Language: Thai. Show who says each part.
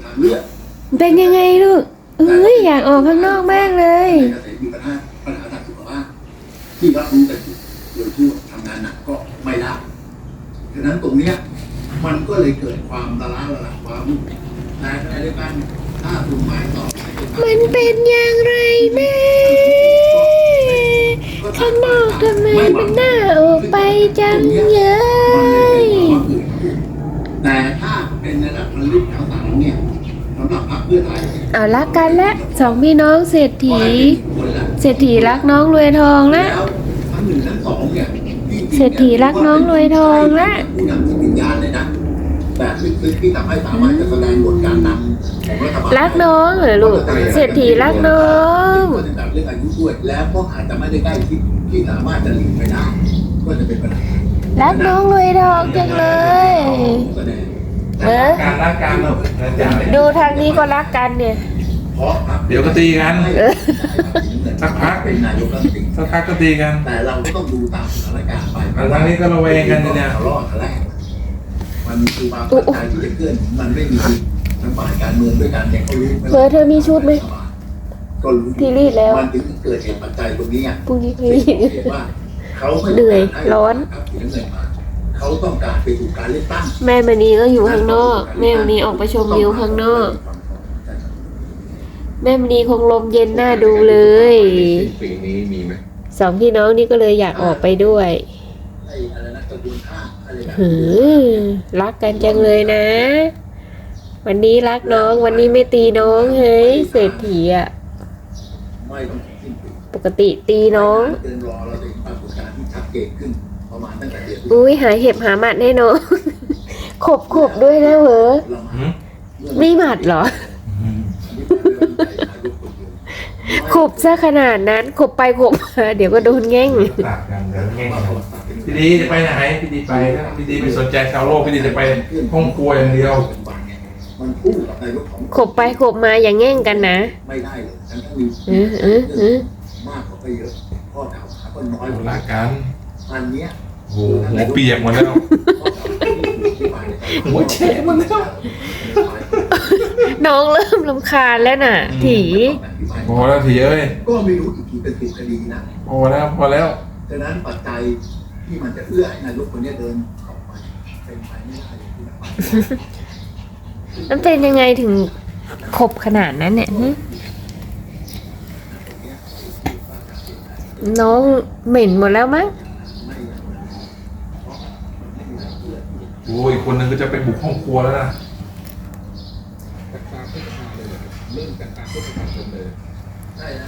Speaker 1: างเลือก
Speaker 2: เป็นยังไงลูกอยากออกข้างนอกมากเลย
Speaker 1: ในเกษตรมีปัญหาทางสุขภาพที่รับรู้กันอยู่โดยทั่วทำงานหนักก็ไม่ได้ฉะนั้นตรงเนี้ยมันก็เลยเกิดความละล้าละลังความในขณะเดียวกันถ้าคุณหมายต่อ
Speaker 2: มันเป็นอย่างไรแม่ข้างนอกทำไมมันน่าออกไปจังเลย
Speaker 1: แต่ถ้าเป็นระดับระลึกแถวสามเนี่ยสำหรับพรรคเพื่อไทย
Speaker 2: เอารักกันและสองพี่น้องเศรษฐีรักน้องรวยทองละ
Speaker 1: ทั้งหนึ่งทั้งสองเนี่ย
Speaker 2: เศรษฐีรักน้องรวยทองละ
Speaker 1: ผู้นำที่วิญญาณเลยนะแต่ลึกๆที่ทำให้สามารถจะแสดงบทการนำของรัฐบาล
Speaker 2: รักน้องเหรอลูกเศรษฐีรักน้อง
Speaker 1: ก็จะแบบเรื่องอายุด้วยแล้วก็อาจจะไม่ได้ใกล้ชิดที่สามารถจะหลีกไปได้ก็จะเป็นปัญหา
Speaker 2: รักน้องรวยทองจังเลย
Speaker 3: การรักกัน
Speaker 2: ดูทางนี้ก็รักกันเนี่ย
Speaker 3: เดี๋ยวก็ตีกันสักพัก
Speaker 1: เป็นนายกรัฐมนตรี
Speaker 3: สักพักก็ตีกัน
Speaker 1: แต่เราก็ต้องดูตามสถานการณ์ไป
Speaker 3: ทางนี้ก็ระแวงกันเนี่ย
Speaker 1: รอดแรกมันคือบางปัจจัยที่จะเกิดมันไม่มีทั้งฝ่ายการเมืองด้วยกันเนี่ยเขารู้
Speaker 2: เธอมีชุดไหม
Speaker 1: ก็รู้
Speaker 2: ที่รีดแล้ว
Speaker 1: มันถึงเกิดเหตุปัจจัยตรงนี้
Speaker 2: พรุ่งนี้รีด
Speaker 1: ว่าเขา
Speaker 2: เหนื่อยร้อน
Speaker 1: เขาต้องการไปสู่การเลือกตั้ง
Speaker 2: แม่มณีก็อยู่ข้างนอกแม่มณีออกไปชมวิวข้างนอกแม่มณีคงลมเย็นน่าดูเลย
Speaker 3: ปีนี้มีไหม
Speaker 2: สองพี่น้องนี่ก็เลยอยากออกไปด้วยรักกันจังเลยนะวันนี้รักน้องวันนี้ไม่ตีน้องเฮ้ยเศรษฐีอ่ะปกติตีน้องอุ้ยหาเห็บหาหมัดให้น้องขบด้วยนะเหรอไม่หมัดเหรอขบซะขนาดนั้นขบไปขบมาเดี๋ยวก็โดนแง่ง
Speaker 3: ตัดกันแล้วแง่งพี่ดีจะไปไหนพี่ดีไปนะพี่ดีไม่สนใจชาวโลกพี่ดีจะไปห้องครัวอย่างเดียว
Speaker 2: ขบไปขบมาอย่างแง่งกันนะ
Speaker 1: ไม่ได้เลยมากกว่าไปเยอะข้อถามก็น้อย
Speaker 3: รักกัน
Speaker 1: อันเนี้ย
Speaker 3: โอ้โหเปียกหมดแล้วหัวแฉะหมดแล้ว
Speaker 2: น้องเริ่มรำคาญแล้วน่ะถี
Speaker 3: พอแล้วถีเอ้ย
Speaker 1: ก็ไม่รู้อีกกี่เป็นสิบคดีนะ
Speaker 3: พอแล้ว
Speaker 1: ดังนั้นปัจจัยที่มันจะเอื้อให้นายกคนนี้เดินออกไปเป็นไปไม่ได้ที่จะไป
Speaker 2: มันเป็นยังไงถึงขบขนาดนั้นเนี่ยน้องเหม็นหมดแล้วมั้ง
Speaker 3: โอ้ยคนนึงก็จะไปบุกห้องครัวแล้วนะ
Speaker 1: เริ่มจากการพูดคุยกันเลยใช่นะ